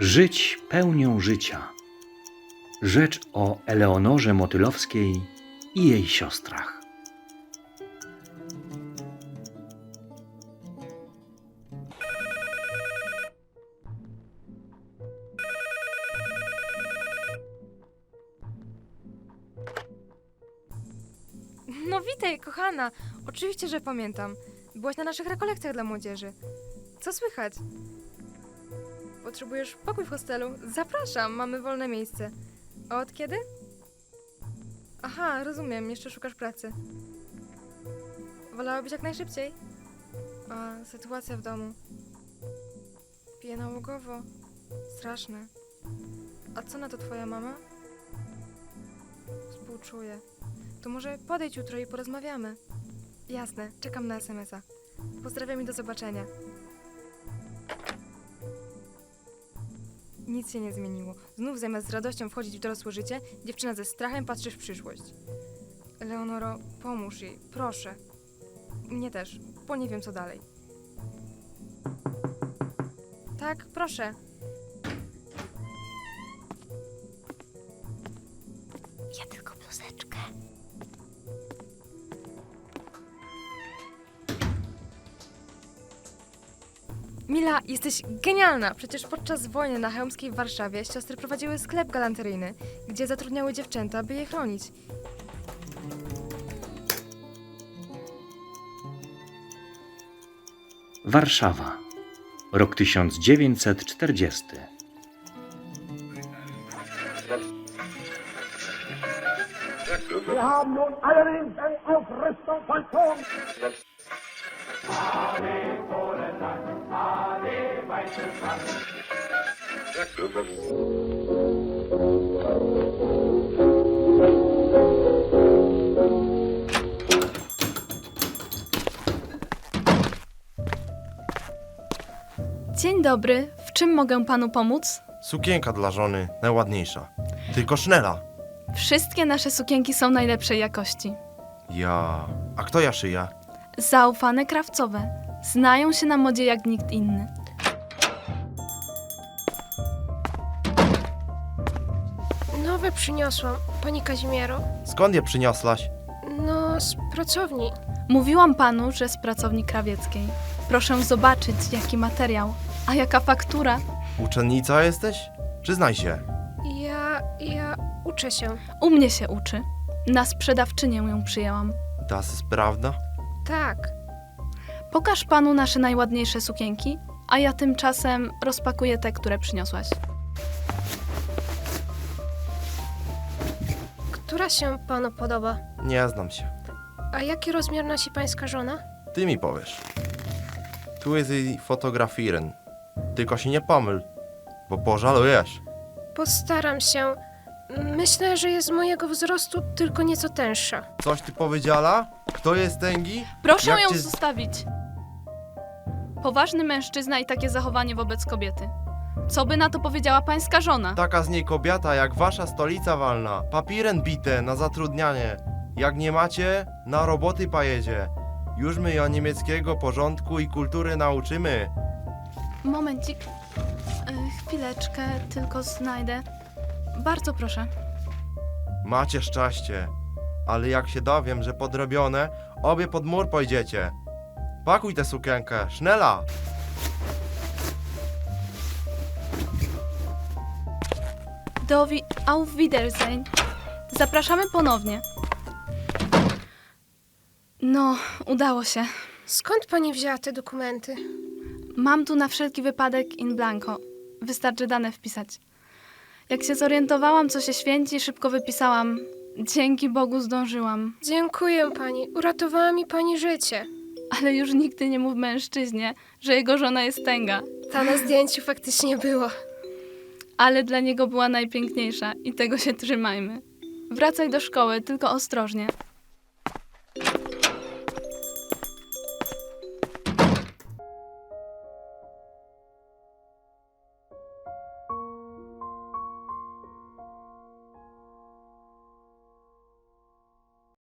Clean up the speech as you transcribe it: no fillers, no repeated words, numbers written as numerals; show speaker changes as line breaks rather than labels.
Żyć pełnią życia. Rzecz o Eleonorze Motylowskiej i jej siostrach.
No witaj, kochana. Oczywiście, że pamiętam. Byłaś na naszych rekolekcjach dla młodzieży. Co słychać? Potrzebujesz pokój w hostelu? Zapraszam, mamy wolne miejsce. A od kiedy? Aha, rozumiem, jeszcze szukasz pracy. Wolałabyś jak najszybciej? A, sytuacja w domu. Pije nałogowo. Straszne. A co na to twoja mama? Współczuję. To może podejdź jutro i porozmawiamy. Jasne, czekam na SMS-a. Pozdrawiam i do zobaczenia. Nic się nie zmieniło. Znów zamiast z radością wchodzić w dorosłe życie, dziewczyna ze strachem patrzy w przyszłość. Eleonoro, pomóż jej, proszę. Mnie też, bo nie wiem co dalej. Tak, proszę.
Ja tylko bluzeczkę.
Mila, jesteś genialna! Przecież podczas wojny na Chełmskiej w Warszawie siostry prowadziły sklep galanteryjny, gdzie zatrudniały dziewczęta, by je chronić.
Warszawa. Rok 1940.
Wir haben nun allerdings eine Aufrüstung vollzogen.
Dzień dobry, w czym mogę panu pomóc?
Sukienka dla żony, najładniejsza. Tylko sznela.
Wszystkie nasze sukienki są najlepszej jakości.
A kto ja szyja?
Zaufane krawcowe. Znają się na modzie jak nikt inny.
Nowe przyniosłam, pani Kazimiero.
Skąd je przyniosłaś?
No, z pracowni.
Mówiłam panu, że z pracowni krawieckiej. Proszę zobaczyć, jaki materiał. A jaka faktura?
Uczennica jesteś? Przyznaj się.
Ja uczę się.
U mnie się uczy. Na sprzedawczynię ją przyjęłam.
Das ist prawda?
Tak.
Pokaż panu nasze najładniejsze sukienki, a ja tymczasem rozpakuję te, które przyniosłaś.
Która się panu podoba?
Nie znam się.
A jaki rozmiar nosi pańska żona?
Ty mi powiesz. Tu jest jej fotografiren. Tylko się nie pomyl, bo pożalujesz.
Postaram się. Myślę, że jest mojego wzrostu, tylko nieco tęższa.
Coś ty powiedziała? Kto jest tęgi?
Proszę
Jak
ją
cię-
zostawić. Poważny mężczyzna i takie zachowanie wobec kobiety. Co by na to powiedziała pańska żona?
Taka z niej kobieta jak wasza stolica walna. Papiren bite na zatrudnianie. Jak nie macie, na roboty pojedzie. Już my ją niemieckiego porządku i kultury nauczymy.
Momencik. Chwileczkę, tylko znajdę. Bardzo proszę.
Macie szczęście. Ale jak się dowiem, że podrobione, obie pod mur pójdziecie. Pakuj tę sukienkę, sznela!
Auf Wiedersehen. Zapraszamy ponownie. No, udało się.
Skąd pani wzięła te dokumenty?
Mam tu na wszelki wypadek in blanco. Wystarczy dane wpisać. Jak się zorientowałam, co się święci, szybko wypisałam. Dzięki Bogu zdążyłam.
Dziękuję pani. Uratowała mi pani życie.
Ale już nigdy nie mów mężczyźnie, że jego żona jest tęga.
Ta na zdjęciu faktycznie była.
Ale dla niego była najpiękniejsza i tego się trzymajmy. Wracaj do szkoły, tylko ostrożnie.